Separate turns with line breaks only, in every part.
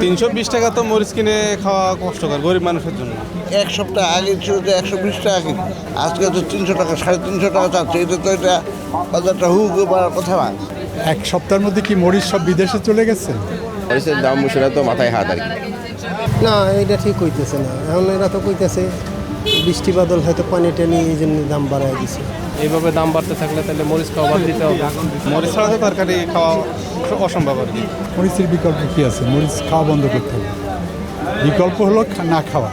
320 টাকা তো মরিচ কিনে খাওয়া কষ্টকর গরিব মানুষের জন্য।
এক সপ্তাহ আগে ছিল তো 120 টাকা কিলো, আজকে তো 300 টাকা 350 টাকা চাচ্ছে। এটা তো এটা বাজারটা হু বাড়ার কথা না।
এক সপ্তাহের মধ্যে কি মরিচ সব বিদেশে চলে গেছে?
মরিচের দাম মুসুরা তো মাথায় হাত আর কি।
না, এটা ঠিক হইতেছে না। এখন এরা তো কইতেছে বৃষ্টি বাদল হয়তো পানি টানি এই জন্য দাম বাড়ায় দিছে।
এইভাবে দাম বাড়তে থাকলে তাহলে মরিচ খাওয়া বাদ দিতে হবে।
মরিচ ছাড়া তো তরকারি খাওয়া অসম্ভব আর কি।
মরিচের বিকল্প কি আছে? মরিচ খাওয়া বন্ধ করতে হবে। বিকল্প হলো না খাওয়া।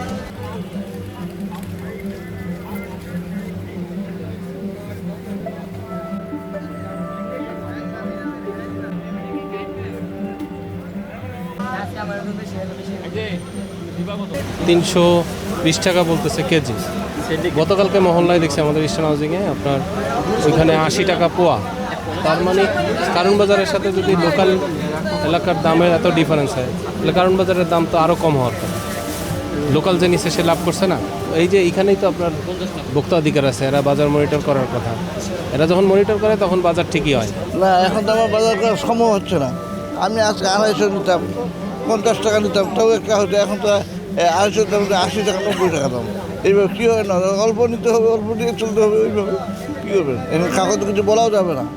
$320 বলতেছে কেজি। গতকালকে মহল্লায় দেখছি আমাদের ইস্টার্ন হাউজিংয়ে আপনার ওইখানে 80 টাকা পোয়া। তার মানে কারণ বাজারের সাথে যদি লোকাল এলাকার দামের এত ডিফারেন্স হয় তাহলে কারণ বাজারের দাম তো আরও কম হওয়ার কথা। লোকাল যে নিচ্ছে সে লাভ করছে না। এই যে এইখানেই তো আপনার ভোক্তা অধিকার আছে, এরা বাজার মনিটর করার কথা। এরা যখন মনিটর করে তখন বাজার ঠিকই হয়।
না, এখন তো আমার বাজার করার সময় হচ্ছে না। আমি আজকে 250 নিতাম, 50 টাকা নিতাম, তাও একটা হতো। এখন তো 250 দাম 80 টাকা 90 টাকা দাম। এইভাবে কী হয় না, অল্প নিতে হবে, অল্প নিয়ে চলতে হবে। ওইভাবে কী করবেন? এখন কাগজ কিছু বলাও যাবে না।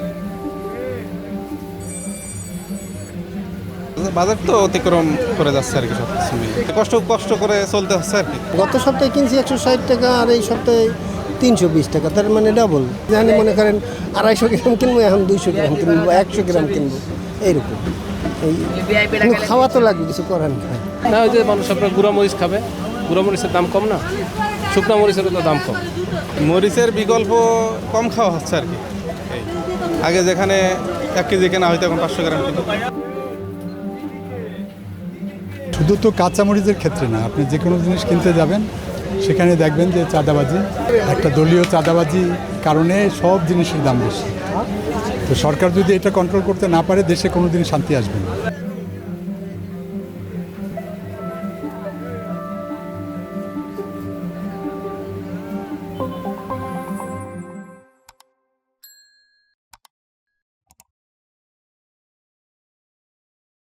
বাজার তো অতিক্রম করে যাচ্ছে আর কি, সব কিছু মিলে কষ্ট করে চলতে হচ্ছে আর কি।
গত সপ্তাহে কিনছি 160 টাকা, আর এই সপ্তাহে 320 টাকা, তার মানে ডাবল। যেখানে মনে করেন 250 গ্রাম কিনবো, এখন 200 গ্রাম কিনবো, 100 গ্রাম কিনবো, এইরকম। এই খাওয়া তো লাগবে, কিছু করার নেই।
না, ওই যে মানুষ আপনার গুঁড়া মরিচ খাবে, গুঁড়া মরিচের দাম কম না, শুকনো মরিচেরও তো দাম কম।
মরিচের বিকল্প কম খাওয়া হচ্ছে আর কি। এই আগে যেখানে 1 কেজি কেনা হয়তো এখন 500 গ্রাম কিলো।
শুধু তো কাঁচামরিচের ক্ষেত্রে না, আপনি যে কোনো জিনিস কিনতে যাবেন সেখানে দেখবেন যে চাঁদাবাজি, একটা দলীয় চাঁদাবাজি কারণে সব জিনিসের দাম বেশি। তো সরকার যদি এটা কন্ট্রোল করতে না পারে, দেশে কোনো দিন শান্তি আসবে না।